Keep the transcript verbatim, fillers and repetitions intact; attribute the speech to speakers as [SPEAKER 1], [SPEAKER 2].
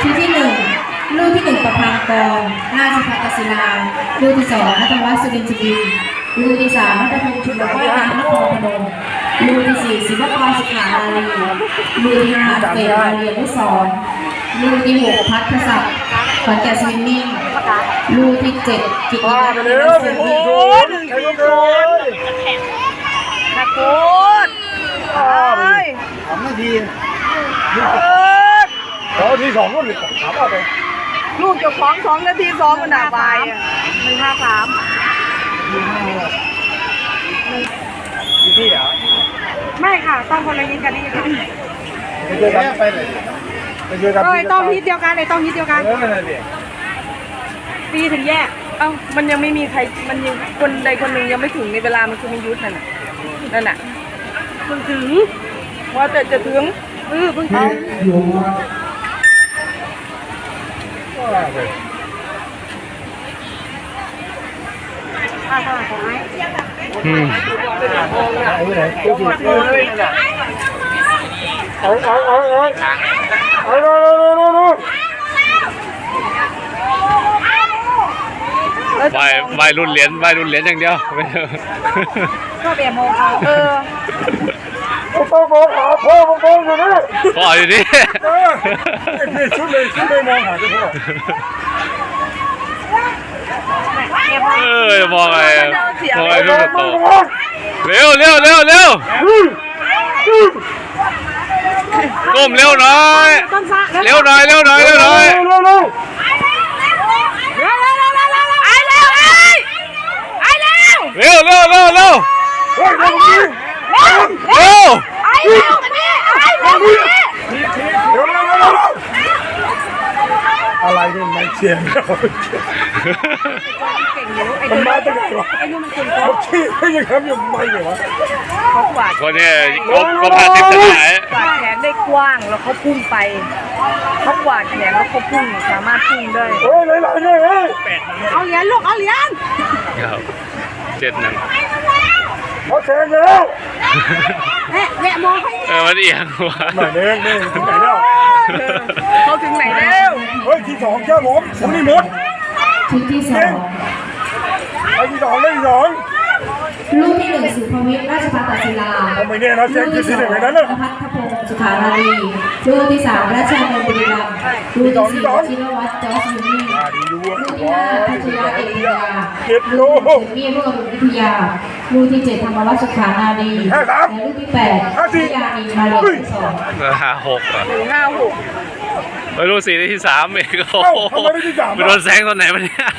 [SPEAKER 1] ชุดที่หนึ่งลูกที่หนึ่งประพังกรราชภัฏศิลาลูกที่สองนัทวัฒน์สุรินทร์จิตวินลูกที่สามนัทพงศ์ชุมว่ายน้ำนครพนมลูกที่สี่ศิวกรสุขานารีลูกที่ห้าเฟรมาเรียนนุสรลูกที่หกพัฒน์ศักดิ์ขอนแก่นสวิมมิ่งลูกที่เจ็ดกิตตินันท์เสรี
[SPEAKER 2] ใครก็โดนตะโกนเอ้ยสามนาทีเออทีสองก็หลุดถามว่าไปลูกเจ้าของสองนาทีสองมันหนาไปหนึ่งห้าสามหนึ่งห้าหกพี่เหรอไม่ค่ะต้องคนละยิงกันนี่ค่ะไปเจอกันไปเลยไปเจอกันก็ต้องฮิตเดียวกันเลยต้องฮิตเดียวกันตีถึงแยกเอ้ามันยังไม่มีใครมันยังคนใดคนหนึ่งยังไม่ถึงในเวลามันคือมียุทธนั่นน่ะนั่นน่ะเพิ่งถึงว่าแต่จะถึงเออเพิ่งถึงอืมเอาเอาเอาเอาเอาเอาเอา
[SPEAKER 3] ใบใบรุ่นเหรียญใบรุ่นเหรียญอย่างเดียว
[SPEAKER 2] ก็เบียโมเขาเออพ่อมองหาพ่อมองอยู่นี่
[SPEAKER 3] พ่ออยู่นี่
[SPEAKER 2] นี่ชุดเลยชุดเลยมองหาที่พ่อ
[SPEAKER 3] เออมองอะไรมองอะไรลูกโตเร็วเร็วเร็วเร็วก้มเร็วหน่อยเร็วหน่อยเร็วหน่อยเร็วหน่อยเร็วเร็วเร็วเร็วเร็ว
[SPEAKER 2] อะไรเนี่ยไม่เชียร์มันมาตั้งแต่ไอ้นู่นมันคนเขาขี้ไม่ยังทำยังไม่เลยวะเขากวาด
[SPEAKER 3] คนนี้ก็ก็พาทิพย์จะไหน
[SPEAKER 2] กวาดแขนได้กว้างแล้วเขาพุ่งไปเขากวาดแขนแล้วเขาพุ่งสามารถพุ่งได้โอ้ยหลายๆเลยเอาเหรียญลูกเอาเหรียญ
[SPEAKER 3] ครับเจ็ดหนึ่ง
[SPEAKER 2] เขาแทงแล้ว
[SPEAKER 1] แม่แม่มองให้
[SPEAKER 3] เออมันเอียงว่ะ
[SPEAKER 2] ไหนเด้งเด้งถึงไหนแล้วเขาถึงไหนแล้วเฮ้ยที่สองเจ้าผมผมนี่หมด
[SPEAKER 1] ชุดที่สอง
[SPEAKER 2] ไอ้ที่สองได้ที่สอง
[SPEAKER 1] ลูกที่หนึ่งสุภวิทย์ราชภัฏศิลา
[SPEAKER 2] ผมไม่แน่นะเสียงที่สี่หนึ่งนั้นนะ
[SPEAKER 1] พัฒพงศ์สุขานารีลูกที่สามราชาเนบุรีรัมย์ลูกที่สี่ชินวัตรจอร์จมินี่ลูกที่ห้าพัชยาเอกยาลูกที่เจ็ดมีรุ่งอรุณวิทยาลูกที่เจ็ดธรรมวัฒน์สุขานารีและลูกที่แปดพิยานีมาเรียนสอง
[SPEAKER 3] ห้าหกอ่ะ
[SPEAKER 2] ห้าหก
[SPEAKER 3] ไปลูกสี่ที่สามเองโอ้โหไปโดนแซงตอนไหนวะเนี่ย